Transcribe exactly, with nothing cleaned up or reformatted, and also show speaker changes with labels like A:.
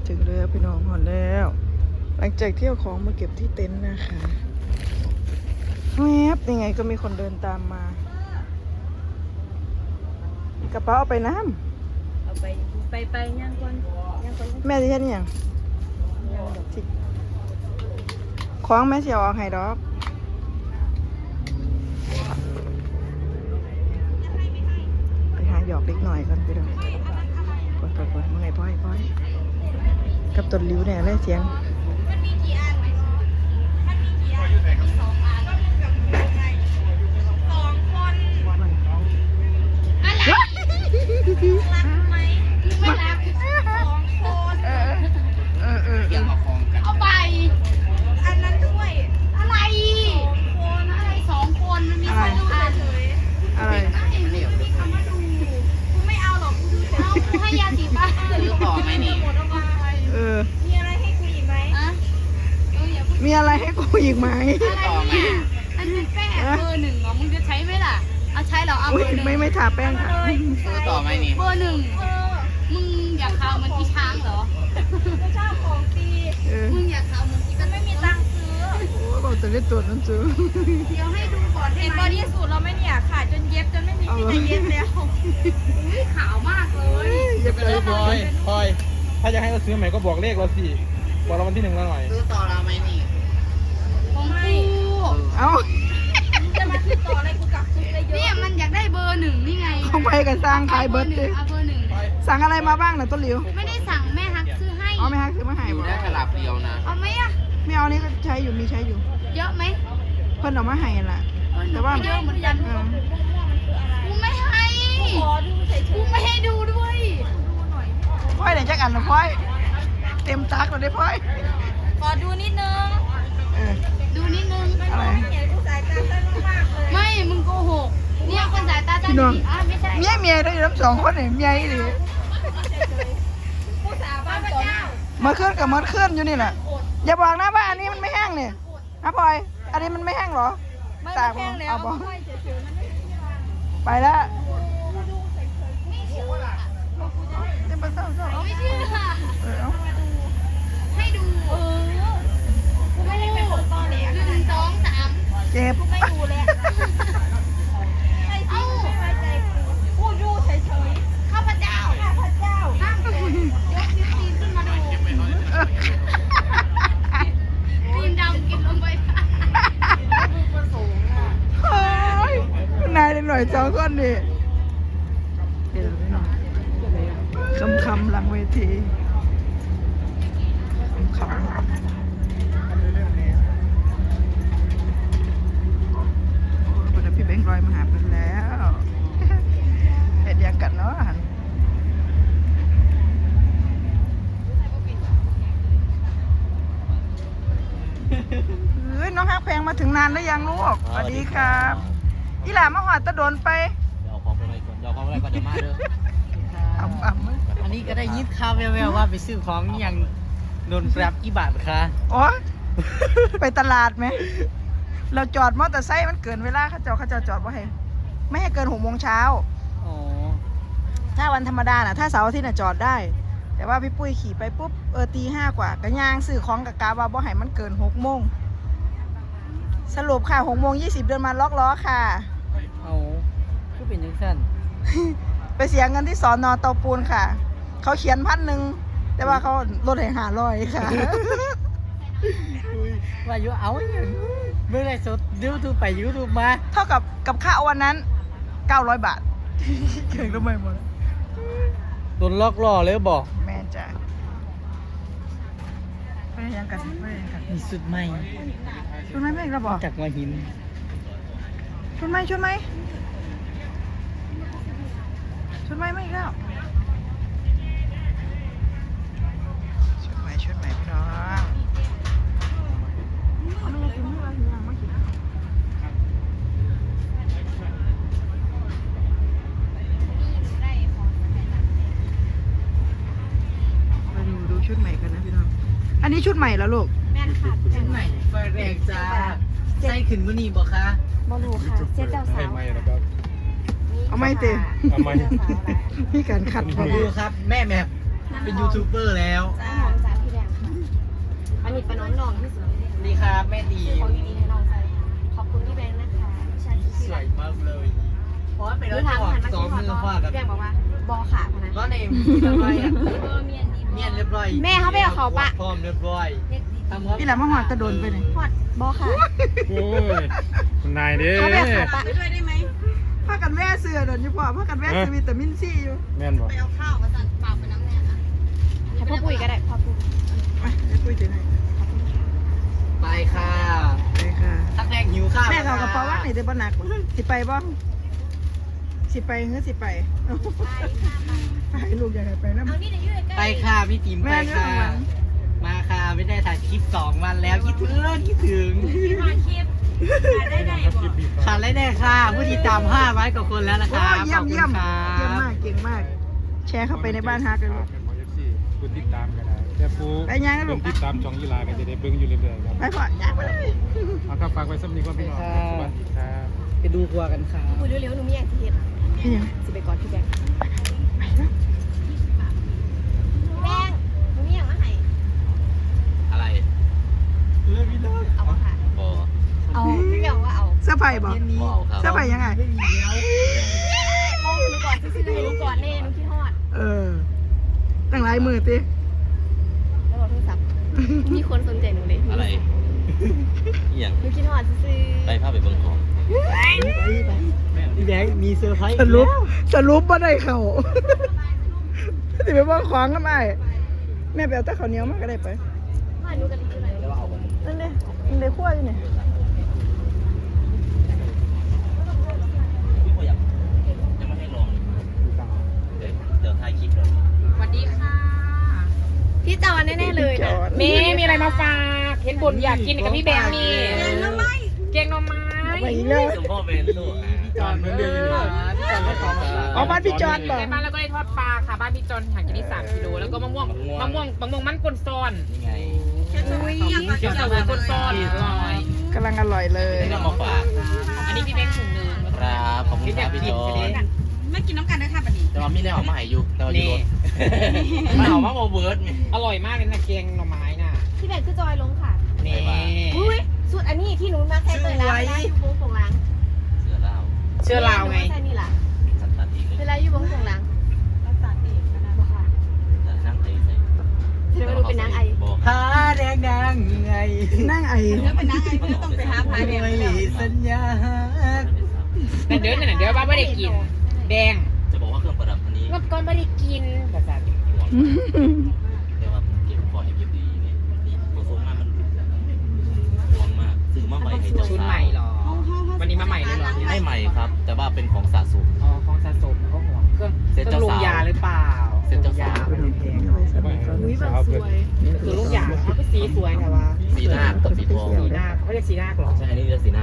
A: ถึงแล้วพี่น้องหอนแล้วหลังจากเที่ยวของมาเก็บที่เต็นท์นะคะแวบยังไงก็มีคนเดินตามมากระเป๋าเอาไปน้ำ
B: เอาไปไปไปย่างก่อนย่างก่อน
A: แม่ที่เช่นอย่างคล้องแม่เสียวออกให้ดอกไปหาหยอกเล็กหน่อยก่อนไปดูกดกดกดมื่อไงพ่อยพ่อยกับต้นลิ้วเนี่ยเลยเสียง
C: เอาไปอันนั้นด้วยอะไรคนอะไรสองคนมันมีคนดูเฉย
A: อะไร
C: ๆไม่ไม่มีคำว่าดูกูไม่เอาหรอกกูดูเฉยเอากูให้ยาสีฟันซื้อต่อไหมนี่หมดเอาไป
A: เออ
C: มีอะไรให้กูอีกไหมอะเอออย่าพูด
A: มีอะไรให้กูอีกไหม
C: อะไรเนี่ยอันเป็นแป้งเบอร์หนึ่งเหรอมึงจะใช้ไหมล่ะเอาใช้เหรอเอา
A: อุ๊
C: เบ
A: ย
C: อร์หนึ่ง
A: ไม่ไม่ทาแป้งค่ะ
D: ซื้อต่อไหมนี่
C: เบอร์หนึ่งมึงอยากข่าวเหมือนอีช้างเหรอกูชอบของฟรี
A: เออ
C: มึงอยากข่าวเหมือนอีกันไม่มีตังค์ซื้อ
A: โอ้ยบอกจะเล่นตัวนั้นซื้อ
C: เดี๋ยวให้ดูก่อนเห็นบอดี้สูทเราไหมเนี่ยขาดจนเย็บจนไม่มีที่จะเย็บแล้วอุ้ยขาวมากเลย
A: เย็บเลย
E: พลอยพลอยถ้าจะให้เราซื้อใหม่ก็บอกเลขเราสิบอกเราวันที่หนึ่งเราหน่อย
D: ซื้อต่อเราไหมนี่
C: ของกู
A: เอ้า
C: จะมาซื้อต่ออะไรกูกลับซื้อเลยเยอะเนี่ยมันอยากได้เบอร์หนึ่งนี่ไง
A: ของไปกันสร้างขายเบิร์ดดิ
C: เอาเบอร์หนึ่ง
A: สั่งอะไรมาบ้างนะต้นหลิว
C: ไม่ได้สั่งแม่ฮักซื้อให้
A: เอาไหมฮะซื้อมาให้
D: อยู่
A: บ่
D: ได้แค่หลับเดียวนะ
C: เอาไหมอะ
A: ไม่เอานี่ก็ใช้อยู่มีใช้อยู่
C: เยอะไหม
A: เพิ่นเอามาให้ล่ะ แต่ว่า
C: เยอะเหมือนกัน
A: เออ
C: กูไม่ให้ขอดูเฉยๆกูไม่ให้ดูด้วยดูหน่อย
A: พ่อยไหนจักอันละพ่อย เต็มตักเลยได้พ่อย
C: ขอดูนิดนึง
A: เออ
C: ดูนิดนึง
A: อะไร
C: ไม่ มึงโกหก เนี่ยคนสายตาสั้น
A: พี่น้อง
C: อ่ะไม่ใช่
A: เมียเมียได้อยู่ทั้งสองคนเนี่ยเมียอีหลี
C: ผู้สาวบ้านเจ้า
A: มาเคลื่อนกับมาเคลื่อนอยู่นี่แหละอย่าบอกนะว่าอันนี้มันไม่แห้งเนี่ยนะพลอย อันนี้มันไม่แห้งเหรอ
C: ไม่
A: ตาก
C: แพงแล้ว
A: เอาบอก
C: ไม่เฉยๆมันไม่
A: ไปแล้ว
C: ไม่เชื่อ
A: เต็มไปเศร้าเศร้า
C: ไม่เชื่อ
A: เออเอา
C: ให้ดู เออ กูไม่ได้เป็นคนตอแหลหนึ่งสองสาม
A: เจ็บ
C: กูไม่ดูแล้วให้จริงไม่ไว้ใจกูกูดูเฉยๆข้าพเจ้า ข้าพเจ้าห้ามกดยกนิ้วตีนขึ้นมาดูตีนดำกินลงไป
A: เฮ้ยนายหน่อยสองคนดิเดี๋ยวไม่นอนคำคำหลังเวทีคำคำโอ้ยพี่เบ้งรอยมาหาเพิ่นแล้วเห็นยังกันเนาะหันเฮ้ยน้องฮักแพงมาถึงนานแล้วยังลูกสวัสดีครับอีหล่ามาหอดตะโดนไป
D: เดี๋ยวเอาของไปไว้ก่อนเดี๋ยวเอาของไปไว้ก่อนเดี๋ยวมาเด้อ
A: อ่ำอ่ำ
D: อันนี้ก็ได้ยินข่าวแว่วๆว่าไปซื้อของอย่างโดนปรับกี่บาทคะ
A: โอ้ยไปตลาดไหม เราจอดมอเตอร์ไซค์มันเกินเวลาเขาเจอเขาจะจอดว่าให้ไม่ให้เกินหกโมงเช้า
D: อ๋อ
A: ถ้าวันธรรมดาน่ะถ้าเสาร์อาทิตย์น่ะจอดได้ แต่ว่าพี่ปุ้ยขี่ไปปุ๊บเออตีห้ากว่าก็ย่างซื้อของกับกาว่าบ่ให้มันเกินหกโมงสรุปค่ะหกโมงยี่สิบเดินมาล็อกล้อค่ะ
D: เอาคือเป็นยังสั้น
A: ไปเสียเงินที่สอนอเตาปูนค่ะ เขาเขียนพันหนึ่งแต่ว่าเขาลดให้ห้าร้อยค่ะ
D: ว่าอยู่เอาอย่างเมื่อไรสดยูทูบไปยูทูบมา
A: เท่ากับกับค่าวันนั้นเก้าร้อยบาท เก่งทำไมหมด
D: โดนล็อกล้อเลยบอก
A: แม่จ้ะไปยังกันไปยังกัน
D: มีสุดใหม่
A: ชุดไหมแม่เราบอก
D: จากหัวหิน
A: ชุดไหมชุดไหมชุดไหมไม่อีกแล้วชุดไหมชุดไหมพี่น้องมาดูดูชุดใหม่กันนะพี่น้องอันนี้ชุดใหม่แล้วลูก
C: แม่นค่ะ
D: ชุดใหม่ไฟแรงจ้าใส่ขึ้นวันนี้บอกคะ
C: บอลูค่ะเซ็ตเจ้าสาว
E: ไม่นะครับ
A: เอาไม่เต็ม
E: ทำไม
A: พี่การขัด
D: มาดูครับ แม่แม่เป็นยูทูบเบอร์แล้ว
C: น้ำหอมจากพี่แดงค่ะอันนี้เป็นน้องน้องที่สุด
D: ดีครับแม่ดี
C: ซื้อของดีๆให้น้องใส่ขอบคุณพี่แบงค์นะคะพี่ชายที่
D: สวยมากเลยเพราะว่าเป็น
C: ดู
D: รถ
C: ทาง
D: จอด
C: หันมา
D: สอง
C: กิน
D: มือ
C: ข้าว
D: ฟาด
C: ก็
D: กับ
C: พี่แบงค์บอกว่าบอขาพนะ
D: ก็ในเรียบร้อยอ่ะ
C: เออเมียนดี
D: เมียนเรียบร้อย
C: แม่เขาไปกับเขาปะ
D: พร้อมเรียบร้อยทำครับ
A: พี่แหลมมาหอดตะโดนไปเลย
C: พอดบอขา
E: โอ้ยคุณนายเด้
C: เขาไปกับเขาปะ
A: พากันแว่เสือเดินอยู่พ่อพากันแว่เสือวิตามินซีอยู่
E: แม่นบอก
C: ไปเอาข้าวมาสั่นเปล่าไปน้ำแน่นะให้พ่อปุ้ยก็ได้พ่อปุ้ย
A: มาไอ้ปุ้ยถือให้
D: ไปค่ะ
A: ไปค่ะ
D: ตักแดงหิวข้าว
A: แม่เขากระเป๋าว่างนี่จะบ่หนักบ่สิไปบ่สิไปเฮ้สิไปไปลูกอยากให้ไปนะ
C: เอานี่เดี๋ยวยืดใกล้
D: ไปค่ะพี่ติ๋ม
A: แม่
D: ไป
A: เรื่อง
D: ค่ะ
A: ของหลัง
D: มาค่ะไม่ได้ถ่ายคลิปสองวันแล้วคิดถึงคิดถึง
C: มาคลิปได้ได้
E: ครับ
C: บ
E: คลิ
C: อ
E: ป
C: ก
E: ปีก
D: ขาดเลยแน่ค่ะผู้ติดตามห้าร้อยกว่าคนแล้วนะ
A: โอ้
D: คะ
A: เยี่ยม
D: ขอบคุณ
A: เยี่ยม
D: ค่ะ
A: เยี่ยมมากเก่งมาก แชร์เข้าไปในบ้านฮักเลยลูก
E: เป็นของเอฟซีคุณติดตามกันได้แต่ฟู
A: ไปยังนะลูก
E: เพิ่ติดตามช่องยีราก็จะได้เบิ่งอยู่เรื่อยๆครับ
A: ไปพ่อย่างไปเลย
E: เอาครับฝากไว้สำนีก่อนพี่น้องครับสวัสดีครับ
D: ไปดูครัวกันค่ะ
C: ปุ้ยเร็วๆหนูมีอย่างที่เห็น
A: นี่ยัง
C: สิไปก่อนพี่แบงค์
A: ไปแล้ว
C: แบงค์หนูมีอย่างมาให้
F: อะไร
C: เอามาค่ะ
F: บอ
C: เอาพี่แบงค์ว่าเอา
A: เสื้อผ้าบ่
F: บอครับ
A: เสื้อผ้ายังไง
D: ไม่มีแล้ว
C: มองหนูก่อนซื้อๆให้หนูก่อนเน่หนูคิดฮอด
A: เออตั้งหลายมือติ
C: แล้วบอกโทรศัพท์มีคนสนใจหนูเลย
F: อะไรอหย่าง
C: หนูคิดฮอดซื้อ
F: ไปภาพไปเบิ่งของ
D: พี่แบงค์มีเซอร์ไพรส์
A: สรุปสรุปบ่ได้เข้า สิไปบ่ของกันได้แม่ไปเอาแต่ข้าวเหนียวมาก็ได้ไป
C: ๆมาหนูกันที่ไหน
A: นั่นเด้ยังได้คั่วอยู่นี่
F: พี่พออยากจะมาให้ลองเดี๋ยวเดี๋ยวถ่ายคลิปเลย
B: สวัสดีค่ะ
C: พี่จอนแน่ๆเลยนะ
B: เมย์มีอะไรมาฝากเห็นบนอยากกินกับพี่แบงค์มีเกงหน่อไม้เกงหน่อไม้
A: ไปอีกแล้ว
F: สมพ่อเป็นลูก
D: จอนเหมือนเดิมอยู่พี่จอนไม่ขอมาฝาก
A: เอาบ้านพี่จอนบ่
B: ในบ้านแล้วก็ได้ทอดปลาค่ะบ้านพี่จอนห่างจากนี่สามกิโลแล้วก็มะม่วงมะม่วงมะม่วงมันกลซ้อน
F: นี่ไง
C: อุ้ย
B: เขียวเสวยกลซ้อนอร่อย
A: กำลังอร่อยเลย
F: นี่ก็มาฝาก
B: อันนี้พี่แบงค์ถุงหนึ่ง
F: ครับขอบคุณครับพี่จอน
C: ไม่กินน้ำกันด้วยค่ะบัดนี้
F: แต่ว่ามีได้ออกมาให้อยู่แต่ว่าอยู่รถมาเอามาโมเบิร์ด
B: อร่อยมากเลยนะเกงหน่อไม้น่ะ
C: พี่แบงค์คือจอยลงค่ะ
B: นี่
C: อุ้ยสุดอันนี้ที่หนูมาแค่เตยแล้วนะอยู่วงสงล้าง
F: เสือเล่า
B: เชื่อเราไง
C: ใช่นี่แหละ
F: สัตว์ตัดอีกเลย
C: เวลาอยู่วงสงล้างรักษาเองนะบอกค่ะ
F: นั่งไอ้ใส่
C: เธอมาดูเป็นนางไอ
F: บอก
D: หาแดงนางไง
A: นั่งไอ
C: เป็นนางไอเพื่อต้องไปหาพาเดียว
D: ไม่หลีสัญญา
B: แต่เดี๋ยวนั่นนะเดี๋ยวว่าไม่ได้กิน แดง
F: จะบอกว่าเครื่องประดับอันนี้
B: เมื่อก่อนไม่ได้กินภาษา
F: ห่วงแต่ว่าเก็บคอยให้เก็บดีนี่นี่โมโซมามันห่วงมากซื้อมาใหม่ให้เจ้า
B: ชุด
F: สา
B: ใหม่
F: ว
B: เหรอ วันนี้มาใหม่เลยเหรอ
F: ไม่ใหม่ครับ แต่ว่าเป็นของสะสม
B: อ๋อของสะสมเขาห่วงเครื่อง
F: เซ็ต
B: เครื่
F: เจ้า
B: องลง
F: สาว
B: ยาหรือเปล่า
F: เซ็ตเจ้าสาว
B: ลงยา
C: อุ้ยแบบสวย
B: คือลูกยาเขาก็สีสวยแต่ว่า
F: สีหน้ากับสีทอง
B: สีหน้าเขาเรียกสีหน้าหรอ
F: ใช่อันนี้เรียกสีหน้า